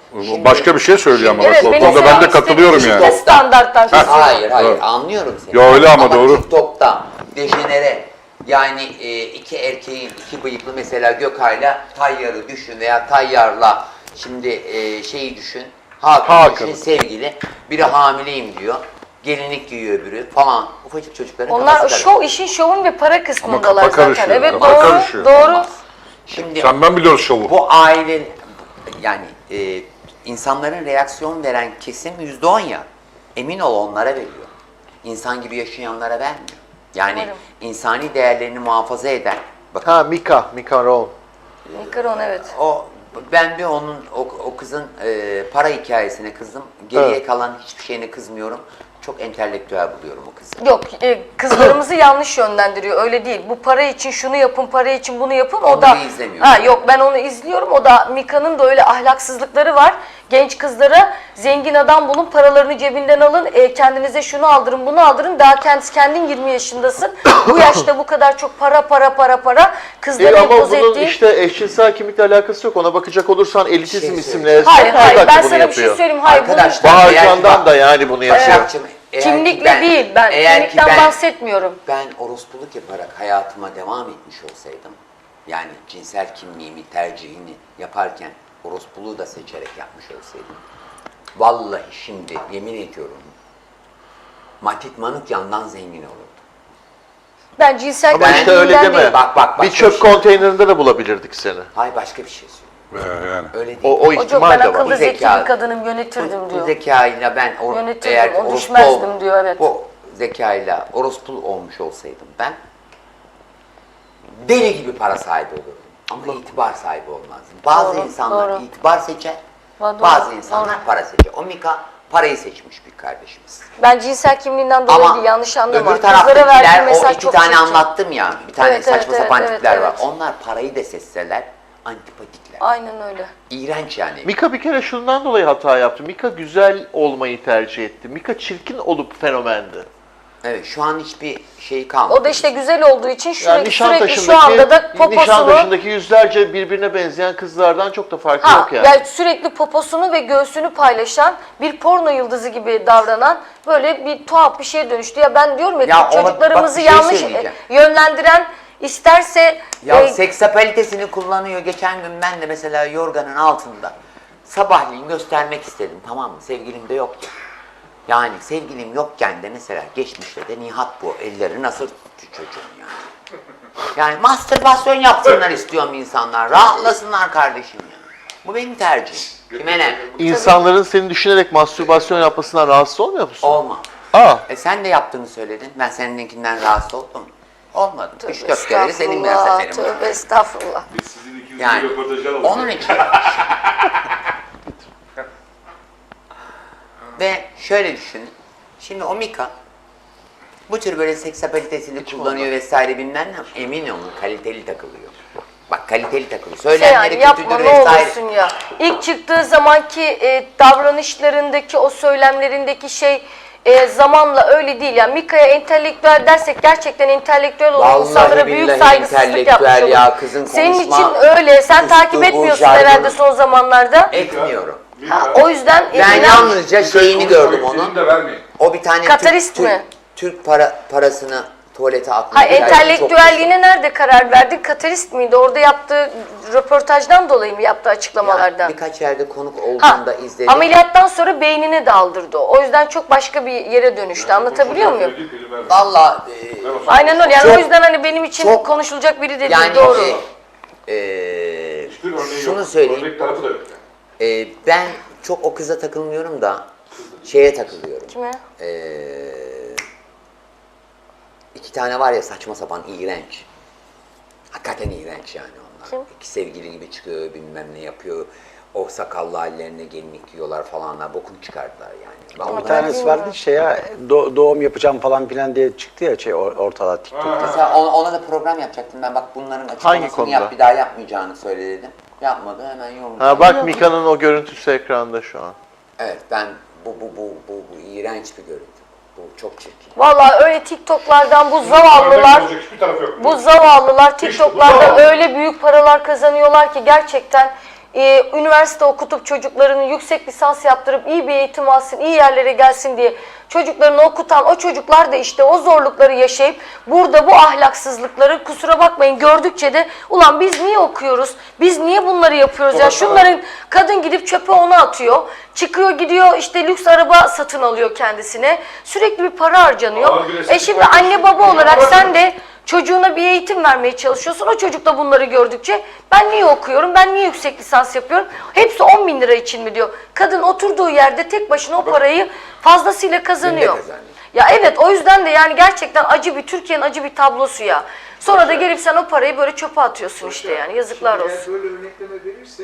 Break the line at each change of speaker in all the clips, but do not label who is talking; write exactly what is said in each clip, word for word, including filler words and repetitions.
Şimdi, başka bir şey söylüyor ama.
Evet,
o konuda ben de katılıyorum yani.
İşte standarttan
Hayır hayır
Evet.
anlıyorum seni.
Ya öyle ama,
ama
doğru.
TikTok'ta dejenere yani e, iki erkeğin iki bıyıklı mesela Gökay'la Tayyar'ı düşün veya Tayyar'la şimdi e, şeyi düşün. Hakan,
Hakan.
düşün sevgili. Biri hamileyim diyor. Gelinlik giyiyor öbürü falan. Ufacık çocukların
Onlar
kafası
şov, işin şovun ve para kısmındalar
kafa
zaten.
karışıyor,
Evet
kafa
doğru,
karışıyor.
doğru.
Şimdi
Sen ben biliyoruz şovu.
bu aile yani e, insanların reaksiyon veren kesim yüzde on ya. Emin ol onlara veriyor. İnsan gibi yaşayanlara vermiyor. Yani
Umarım.
insani değerlerini muhafaza eden. Bakın
Ha Mika, Mika Rowan.
Mikaron evet.
o ben bir onun o, o kızın e, para hikayesine kızdım. Geriye
Evet.
kalan hiçbir şeyine kızmıyorum. Çok entelektüel buluyorum o kızı.
Yok, e, kızlarımızı yanlış yönlendiriyor. Öyle değil. Bu para için şunu yapın, para için bunu yapın. O
Onu
da
bir izlemiyorum.
Ha yok, ben onu izliyorum. O da Mika'nın da öyle ahlaksızlıkları var. Genç kızlara zengin adam bulun, paralarını cebinden alın, e, kendinize şunu aldırın, bunu aldırın. Daha kendisi kendin yirmi yaşındasın. Bu yaşta bu kadar çok para para para para kızları
E ama
empoze
bunun
ettiğin...
işte eşcinsel kimlikle alakası yok. Ona bakacak olursan elitizm
Şey
isimli
Hayır
esnaf
hayır,
da
ben
bunu
sana bir şey
yapıyor.
söyleyeyim. Hayır, bunun
Arkadaşlar,
Bahar
eğer ki
Can'dan
bak-
da yani bunu yapıyor.
Başakçığım, eğer ki
kimlikle
ben-
değil, ben
eğer ki
kimlikten
ben-
bahsetmiyorum.
Ben orospuluk yaparak hayatıma devam etmiş olsaydım, yani cinsel kimliğimi, tercihini yaparken orospuluğu da seçerek yapmış olsaydım, vallahi şimdi yemin ediyorum, Matit Manukyan'dan zengin olurdum.
Ben cinsel
Ama işte
kimliğinden
öyle deme.
değil.
Bak, bak,
Bir
başka
çöp
bir şey.
konteynerinde de bulabilirdik seni.
Hayır başka bir şey söylüyorum.
Ee, yani.
Öyle değil.
O, o
Hocam
ihtimal
ben
de var.
akıllı zeki
zeka-
bir kadınım,
bu,
yönetirdim
bu
diyor.
zekayla ben or,
Yönetirdim,
eğer
o
orospu
düşmezdim
ol-
diyor, evet.
Bu zekayla orospu olmuş olsaydım ben deli gibi para sahibi olurdum. Ama itibar sahibi olmazdım. Bazı
Doğru,
insanlar
doğru.
itibar seçer,
Doğru,
bazı insanlar
doğru.
para seçer. O Mika parayı seçmiş bir kardeşimiz.
Ben cinsel kimliğinden dolayı
Ama
değil, yanlış anlama.
öbür
Kızlara verdiğim
taraftakiler, o
mesaj
iki
çok
tane
çirkin.
anlattım ya, bir tane
Evet,
saçma
evet,
sapan
evet,
tipler
evet,
var.
evet.
Onlar parayı da seçseler antipatikler.
Aynen öyle.
İğrenç yani.
Mika bir kere şundan dolayı hata yaptı. Mika güzel olmayı tercih etti. Mika çirkin olup fenomendi.
Evet, şu an hiçbir şey kalmadı.
O da işte güzel olduğu için
Yani
sürekli, sürekli şu
Nişantaşı'ndaki,
anda da poposunu...
Nişantaşı'ndaki yüzlerce birbirine benzeyen kızlardan çok da farkı
Ha,
yok yani.
yani sürekli poposunu ve göğsünü paylaşan, bir porno yıldızı gibi davranan böyle bir tuhaf bir şeye dönüştü. Ya ben diyorum ya,
Ya ona-
çocuklarımızı
bak bir şey
yanlış
söyleyeceğim.
yönlendiren, isterse...
Ya
e,
seksapalitesini kullanıyor. Geçen gün ben de mesela yorganın altında sabahleyin göstermek istedim, tamam mı? Sevgilim de yoktu. Yani sevgilim yokken de mesela geçmişte de Nihat bu. Elleri nasıl tuttu çocuğun yani. Yani mastürbasyon yapsınlar istiyorum insanlar. Rahatlasınlar kardeşim yani. Bu benim tercihim. Kime ne?
İnsanların seni düşünerek mastürbasyon yapmasından rahatsız olmuyor musun?
Olma.
Aa.
E sen de yaptığını söyledin. Ben seninkinden rahatsız oldum. Olmadı.
tövbe
Üç dört kere de senin ben
estağfurullah,
seferim.
Tövbe estağfurullah.
Biz sizin ikinizin
Yani
röportajı alalım.
onun için. Ve şöyle düşünün. Şimdi o Mika bu tür böyle seksapalitesini kullanıyor vesaire bilmem ne, emin olun kaliteli takılıyor. Bak kaliteli takılıyor.
Şey
Söylemleri
yani yapma
kötüdür
ne
vesaire.
olursun ya. İlk çıktığı zamanki e, davranışlarındaki, o söylemlerindeki şey e, zamanla öyle değil. Yani Mika'ya entelektüel dersek gerçekten entelektüel olan
Vallahi
insanlara büyük
billahi
saygısızlık
entelektüel
yapmış
ya,
olur.
kızın
Senin
konuşma
için öyle. Sen
üslubu,
takip etmiyorsun
jargonu.
herhalde son zamanlarda.
Etmiyorum.
Ha, o yüzden
Ben
inan-
yalnızca şeyini gördüm
Konuşmak
onun.
de vermeyin.
O bir tane
Katarist
Türk,
mi?
Türk, Türk para, parasını tuvalete atmış.
Ha, entelektüelliğine nerede karar verdi? Katarist miydi? Orada yaptığı röportajdan dolayı mı yaptığı açıklamalardan?
Birkaç yerde konuk
Ha,
olduğunda izledim.
ameliyattan sonra beynini de aldırdı o. O yüzden çok başka bir yere dönüştü. Anlatabiliyor muyum?
Valla
Aynen öyle. Yani
Çok-
o yüzden hani benim için
çok-
konuşulacak biri de değil.
yani
Doğru.
e, e,
Hiçbir örneği
şunu
yok.
söyleyeyim.
Örnek tarafı da yok yani.
E, ben çok o kıza takılmıyorum da şeye takılıyorum.
Kime?
E, iki tane var ya saçma sapan iğrenç. Hakikaten iğrenç yani onlar.
Kim?
İki sevgili gibi çıkıyor bilmem ne yapıyor. O sakallı hallerine gelinlik giyiyorlar falanlar. Bokunu çıkardılar yani.
Ama
Vallahi.
Bir tanesi vardı şey ya do- doğum yapacağım falan filan diye çıktı ya şey or- ortada TikTok'ta.
Mesela ona, ona da program yapacaktım ben. Bak bunların açıklamasını
konuda?
yap, bir daha yapmayacağını söyle dedim. Yapmadı, hemen yorumladı.
Ha bak Mika'nın o görüntüsü ekranda şu an.
Evet, ben bu bu bu bu, bu iğrenç bir görüntü. Bu çok çirkin.
Vallahi öyle TikTok'lardan bu zavallılar,
Örnek olacak hiçbir tarafı yok.
bu zavallılar TikTok'larda
zavallı.
öyle büyük paralar kazanıyorlar ki gerçekten e, üniversite okutup çocuklarını yüksek lisans yaptırıp iyi bir eğitim alsın, iyi yerlere gelsin diye çocuklarını okutan o çocuklar da işte o zorlukları yaşayıp burada bu ahlaksızlıkları, kusura bakmayın, gördükçe de ulan biz niye okuyoruz, biz niye bunları yapıyoruz ya, şunların kadın gidip çöpe onu atıyor, çıkıyor gidiyor işte lüks araba satın alıyor kendisine, sürekli bir para harcanıyor. E şimdi anne baba olarak sen de çocuğuna bir eğitim vermeye çalışıyorsun. O çocuk da bunları gördükçe ben niye okuyorum, ben niye yüksek lisans yapıyorum? Hepsi on bin lira için mi diyor. Kadın oturduğu yerde tek başına o parayı fazlasıyla kazanıyor.
kazanıyor.
Ya evet, o yüzden de yani gerçekten acı bir, Türkiye'nin acı bir tablosu ya. Sonra da gelip sen o parayı böyle çöpe atıyorsun işte yani, yazıklar
Şimdi
olsun.
eğer böyle örnekleme verirse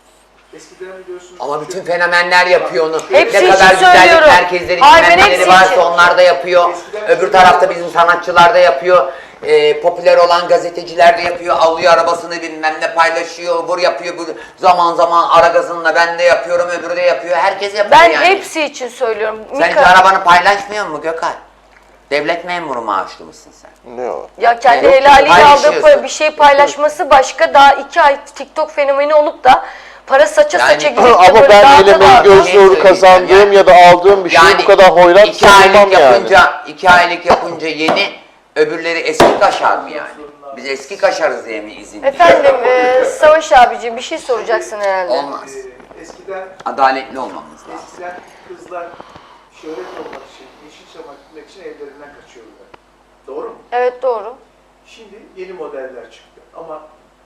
eskiden biliyorsunuz.
Ama bütün fenomenler yapıyor onu.
Hepsi
ne
için
kadar güzellik
söylüyorum.
merkezleri,
Hayır, ben
bilmem neleri
hepsi
varsa
için.
onlar da yapıyor. Öbür tarafta bizim sanatçılar da yapıyor. Ee, popüler olan gazeteciler de yapıyor. Alıyor arabasını bilmem ne paylaşıyor. Vur yapıyor. Bu zaman zaman ara gazınla ben de yapıyorum. Öbürü de yapıyor. Herkes yapıyor
Ben
yani.
hepsi için söylüyorum.
Sen hiç
Mika-
arabanı paylaşmıyor mu Gökhan? Devlet memuru maaşlı mısın sen?
Ne o?
Ya kendi
Yok,
helaliyle aldığı
paylaşıyorsun.
para, bir şey paylaşması başka. Daha iki ay TikTok fenomeni olup da para saça
Yani-
saça gidip de
Ama
böyle
ben
dağıta
elime
dağıta-
göz
Şey
nuru
söyleyeceğim
kazandığım
yani.
ya da aldığım bir şeyi bu kadar hoyrat
iki aylık
savunmam yani.
yapınca, iki aylık yapınca yeni, öbürleri eski kaşar mı yani? Biz eski kaşarız diye mi izin?
Efendim e, Savaş abiciğim bir şey soracaksın herhalde.
Olmaz.
Ee, eskiden
Adaletli olmamız lazım.
eskiden kızlar şöhret olmak için, Yeşilçam'a gitmek için evlerinden kaçıyorlar. Doğru mu?
Evet doğru.
Şimdi yeni modeller çıktı ama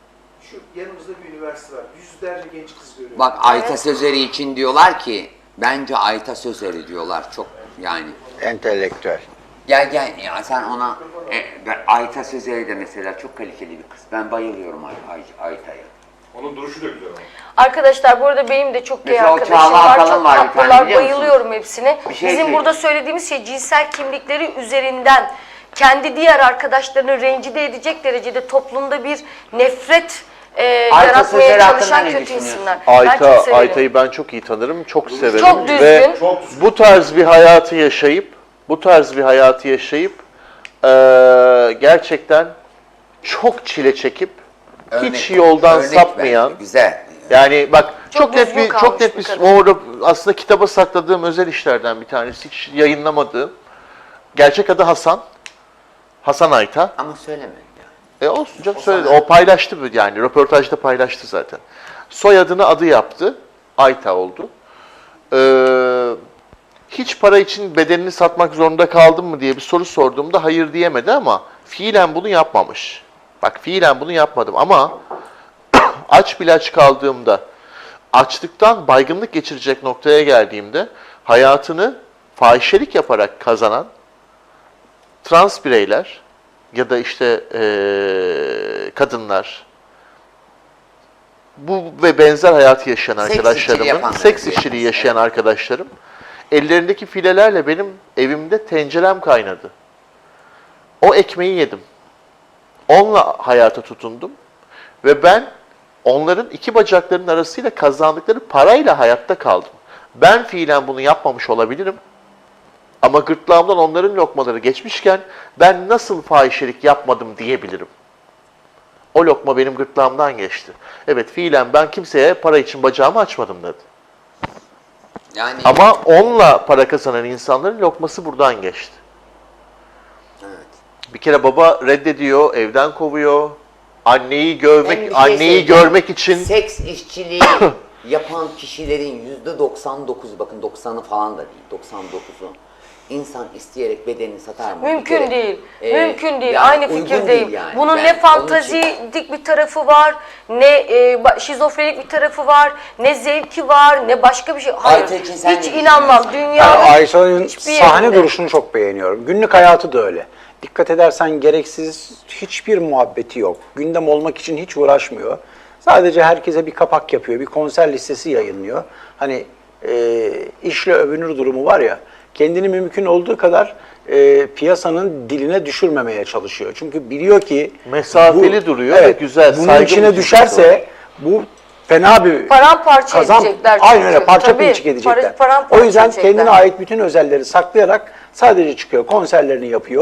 şu yanımızda bir üniversite var. Yüzlerce genç kız görüyoruz.
Bak Ayta Sözeri için diyorlar ki, bence Ayta Sözeri diyorlar çok yani.
Entelektüel.
Gel gel ya sen ona, e, ben, Ayta Sözeri de mesela çok kaliteli bir kız. Ben bayılıyorum Ay, Ay, Ayta'ya.
Onun duruşu da güzel ama.
Arkadaşlar bu arada benim de çok gay
Mesela o
arkadaşım
Çağla
var.
Akalın
Çok
var bir tane,
tatlılar,
biliyor musun?
bayılıyorum hepsine.
Bir şey
Bizim
söyleyeyim.
burada söylediğimiz şey cinsel kimlikleri üzerinden kendi diğer arkadaşlarını rencide edecek derecede toplumda bir nefret e,
Ayta
yaratmaya
Sözleri hakkında
çalışan
ne
kötü
düşünüyorsun?
insanlar. ben
Ayta,
çok severim.
Ayta'yı ben çok iyi tanırım, çok severim.
Çok düzgün.
Ve
Çok
bu tarz bir hayatı yaşayıp, bu tarz bir hayatı yaşayıp eee, gerçekten çok çile çekip hiç yoldan
örnek
sapmayan,
ver. Güzel.
Çok
yani bak çok, net
düzgün
bir çok
kalmış
net
bir
bir
kadın.
orada aslında kitaba sakladığım özel işlerden bir tanesi, hiç yayınlamadığım. Gerçek adı Hasan. Hasan Ayta.
Ama söyleme ya.
E olsun canım, söyledi. O paylaştı bu yani. Röportajda paylaştı zaten. Soyadını adı yaptı. Ayta oldu. Ee, hiç para için bedenini satmak zorunda kaldın mı diye bir soru sorduğumda hayır diyemedi ama fiilen bunu yapmamış. Bak fiilen bunu yapmadım ama aç bile aç kaldığımda, açlıktan baygınlık geçirecek noktaya geldiğimde hayatını fahişelik yaparak kazanan trans bireyler ya da işte eee, kadınlar, bu ve benzer hayatı yaşayan
Seks işçiliği
arkadaşlarımın,
yapanları
seks
diyelim.
işçiliği yaşayan arkadaşlarım, ellerindeki filelerle benim evimde tencerem kaynadı. O ekmeği yedim. Onunla hayata tutundum ve ben onların iki bacaklarının arasıyla kazandıkları parayla hayatta kaldım. Ben fiilen bunu yapmamış olabilirim. Ama gırtlağımdan onların lokmaları geçmişken ben nasıl fahişelik yapmadım diyebilirim. O lokma benim gırtlağımdan geçti. Evet fiilen ben kimseye para için bacağımı açmadım dedi.
Yani
Ama onunla para kazanan insanların lokması buradan geçti.
evet.
Bir kere baba reddediyor, evden kovuyor. Anneyi
Ben
görmek,
bir şey
anneyi
söyleyeceğim.
görmek için
Seks işçiliği yapan kişilerin yüzde doksan dokuz, bakın doksanı falan da değil, doksan dokuzu insan isteyerek bedenini satar mı? Bir
Mümkün
kere,
değil.
e,
Mümkün değil.
yani
Aynı
uygun
fikirdeyim.
değil yani.
Bunun
Ben
ne
onun için-
fantazidik bir tarafı var, ne e, ba- şizofrenik bir tarafı var, ne zevki var, ne başka bir şey. Hayır.
Ayta için sen
Hiç
ne
inanmam.
düşünüyorsun?
Dünya
Yani Ayşe'nin
hiçbir
sahne
yerinde.
duruşunu çok beğeniyorum. Günlük hayatı da öyle. Dikkat edersen gereksiz hiçbir muhabbeti yok. Gündem olmak için hiç uğraşmıyor. Sadece herkese bir kapak yapıyor, bir konser listesi yayınlıyor. Hani e, işle övünür durumu var ya, kendini mümkün olduğu kadar e, piyasanın diline düşürmemeye çalışıyor. Çünkü biliyor ki
Mesafeli duruyor ve güzel,
bunun
saygı
içine
duyucu
düşerse bu fena bir
Paramparça
kazan,
edecekler
aynen
çünkü.
öyle parça
Tabii,
pinçik edecekler.
para- paramparça
O yüzden
edecekler.
kendine ait bütün özelleri saklayarak sadece çıkıyor, konserlerini yapıyor.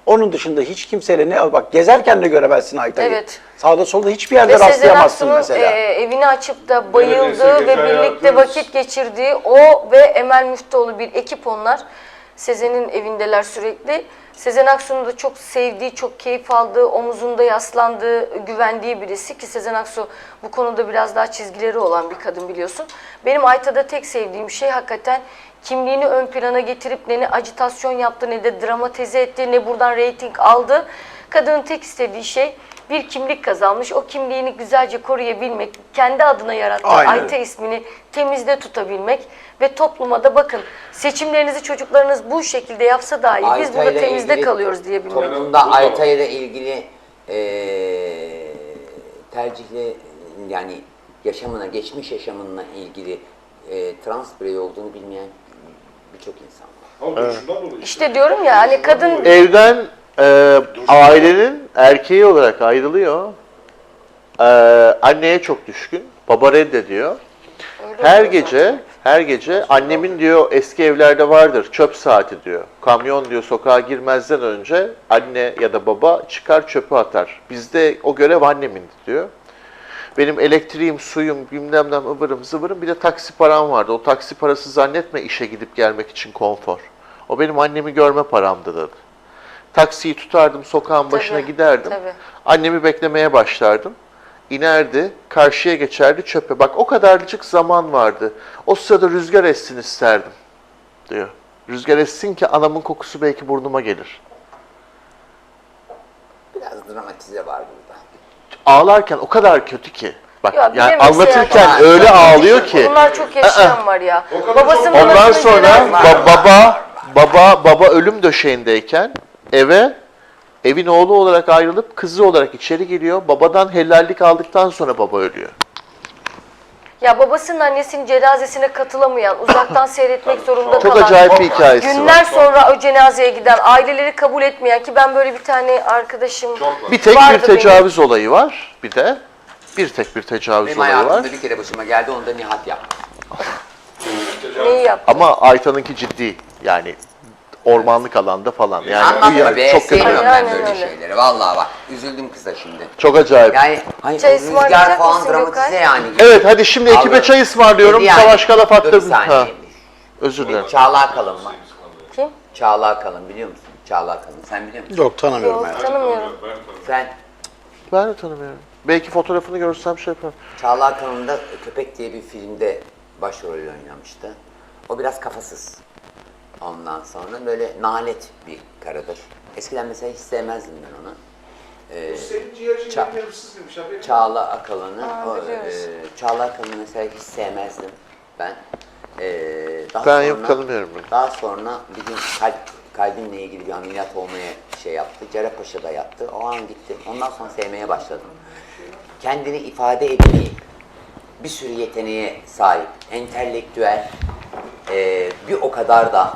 Onun dışında hiç kimseyle ne bak gezerken de göremezsin Aytay'ı.
Evet.
Sağda solda hiçbir yerde
Ve Sezen
rastlayamazsın
Aksu'nun
mesela.
e, evini açıp da bayıldığı
Neredeyse
ve
gece
birlikte
hayatımız.
vakit geçirdiği o ve Emel Müftüoğlu bir ekip onlar. Sezen'in evindeler sürekli. Sezen Aksu'nun da çok sevdiği, çok keyif aldığı, omuzunda yaslandığı, güvendiği birisi ki Sezen Aksu bu konuda biraz daha çizgileri olan bir kadın biliyorsun. Benim Ayta'da tek sevdiğim şey hakikaten kimliğini ön plana getirip ne, ne ajitasyon yaptı ne de dramatize etti ne buradan reyting aldı. Kadının tek istediği şey bir kimlik kazanmış. O kimliğini güzelce koruyabilmek, kendi adına yarattığı
Aynen.
Ayta ismini temizde tutabilmek ve topluma da bakın seçimlerinizi çocuklarınız bu şekilde yapsa dahi biz
Ayta'yla
burada temizde
ilgili
kalıyoruz diyebilmek.
Toplumda Ayta'yla ilgili eee tercihli yani yaşamına, geçmiş yaşamına ilgili eee trans birey olduğunu bilmeyen birçok insan var.
İşte diyorum ya hani kadın
Evden e, ailenin erkeği olarak ayrılıyor. E, anneye çok düşkün. Baba reddediyor. Her gece, her gece annemin diyor eski evlerde vardır çöp saati diyor. Kamyon diyor sokağa girmezden önce anne ya da baba çıkar çöpü atar. Bizde o görev annemindi diyor. Benim elektriğim, suyum, bilmem ne ıvırım zıvırım bir de taksi param vardı. O taksi parası zannetme işe gidip gelmek için konfor. O benim annemi görme paramdı dedi. Taksiyi tutardım, sokağın başına
Tabii,
giderdim.
tabii.
Annemi beklemeye başlardım. İnerdi, karşıya geçerdi çöpe. Bak o kadarcık zaman vardı. O sırada rüzgar essin isterdim diyor. Rüzgar essin ki anamın kokusu belki burnuma gelir.
Biraz dramatize var burada.
Ağlarken o kadar kötü ki. Bak
Ya bir de
yani
mesela-
anlatırken
Aa,
öyle ağlıyor ki.
bunlar çok yaşayan var ya. Babasının
Ondan
anasını
sonra
gören-
ba- baba baba baba ölüm döşeğindeyken eve evin oğlu olarak ayrılıp kızı olarak içeri giriyor. Babadan helallik aldıktan sonra baba ölüyor.
Ya babasının annesinin cenazesine katılamayan, uzaktan seyretmek zorunda
Çok
kalan,
acayip bir hikayesi
günler
var.
sonra o cenazeye giden, aileleri kabul etmeyen ki ben böyle bir tane arkadaşım
Bir tek
vardı
bir tecavüz olayı var. Bir de bir tek bir tecavüz
Benim
olayı var.
hayatımda bir kere başıma geldi, onu da Nihat yaptı.
benim. Neyi yaptı?
Ama Ayta'nınki ciddi. Yani ormanlık alanda falan. Yani
Anlatma
ya-
be,
çok kötü.
sevmiyorum ben
Aynen
böyle
öyle.
şeyleri. Vallahi bak, üzüldüm kıza şimdi.
Çok acayip.
Yani hani
Çay
o rüzgar
ısmarlayacak
falan
mısın
dramatize
Gökay?
yani.
Evet hadi şimdi ekibe
Aldım.
çay ısmarlıyorum.
Dedi yani,
Savaş Kalaf
dur bir
attırdım.
saniye.
Ha, özür dilerim.
Çağla Akalın var.
Kim?
Çağla Akalın biliyor musun? Çağla Akalın. Sen biliyor musun?
Yok tanımıyorum
Yok,
ben.
tanımıyorum.
Sen
Ben de tanımıyorum. Belki fotoğrafını görsem şey yaparım.
Çağla Akalın da Köpek diye bir filmde başrol oynamıştı. O biraz kafasız. Ondan sonra böyle nalet bir karıdır. Eskiden mesela hiç sevmezdim ben onu. Ee,
Senin ciğerci
Ça-
benim yarımsız demiş haberin var.
Çağla Akalın'ı,
Aa,
o,
biliyoruz.
e, Çağla Akalın'ı mesela hiç sevmezdim ben. Ee, daha
Ben
sonra,
yok, tanımıyorum bunu.
Daha sonra bir gün kalp, kalbimle ilgili bir ameliyat olmaya şey yaptı. Cerrahpaşa'da yattı. O an gitti. Ondan sonra sevmeye başladım. Kendini ifade etmeyi, bir sürü yeteneğe sahip, entelektüel, e, bir o kadar da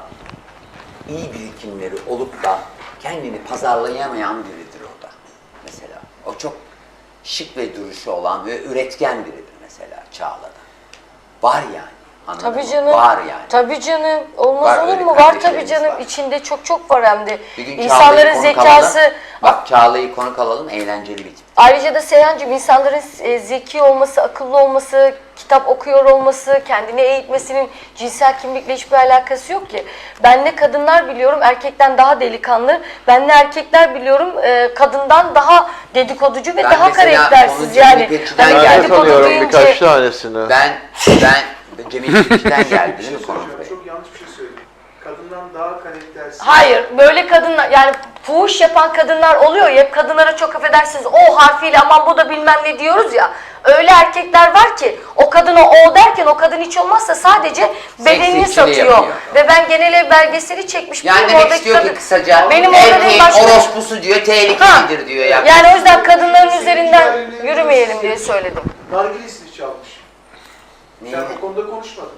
iyi birikimleri olup da kendini pazarlayamayan biridir o da mesela. O çok şık ve duruşu olan ve üretken biridir mesela Çağla'da. Var yani. Anladın
Tabii
mı?
canım.
Var yani.
Tabii canım. Olmaz
Var,
olur
öyle
mu? Var tabii
kardeşlerimiz
canım.
var.
İçinde çok çok var hem de.
Bir gün
İnsanların
Çağla'yı konuk
zekası.
alalım. Bak Çağla'yı konuk alalım, eğlenceli bir tip.
Ayrıca da Seyhancığım insanların e, zeki olması, akıllı olması, kitap okuyor olması, kendini eğitmesinin cinsel kimlikle hiçbir alakası yok ki. Ben ne kadınlar biliyorum erkekten daha delikanlı, ben ne erkekler biliyorum e, kadından daha dedikoducu ve
Ben
daha
mesela
karaktersiz
onu
yani.
Cemil İpekçi'den
Hani
Ben
geldi.
de
dedikodu
tanıyorum
deyince-
birkaç tanesini.
Ben, ben Cemil İpekçi'den geldi
Bir
değil
şey
mi konu
söyleyeceğim,
buraya?
çok yanlış bir şey söyledim. Kadından daha karaktersiz.
Hayır, böyle kadınlar yani fuhuş yapan kadınlar oluyor ya, hep kadınlara çok affedersiniz o harfiyle aman bu da bilmem ne diyoruz ya. Öyle erkekler var ki o kadına o derken o kadın hiç olmazsa sadece bedenini
Seksistçiliği
satıyor.
yapıyor.
Ve ben genel ev belgeseli çekmiş.
Yani
Benim
demek
oradaki
istiyor ki
kadın-
kısaca
benim orada
erkeğin
benim başka-
orospusu diyor, tehlikelidir diyor ya.
Yani o yüzden kadınların üzerinden yürümeyelim diye söyledim.
Nargilesini çalmış.
Neyi?
Sen bu konuda konuşmadın.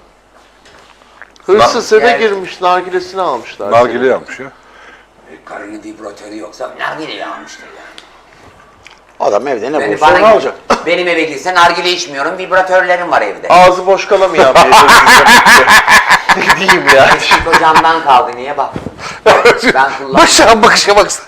Hırsız eve
Yani-
girmiş, nargilesini almışlar.
Nargile yapmış ya.
Karının vibratörü yoksa nargileyi almıştır yani.
Adam evde ne
Yani
bulursa onu
bana
alacak.
benim eve girse nargile içmiyorum, vibratörlerim var evde.
Ağzı boş kalamayan biri. Ne diyeyim ya?
Eski kocamdan kaldı, niye bak? Ben kullanmıyorum.
Başa bakışa baksana.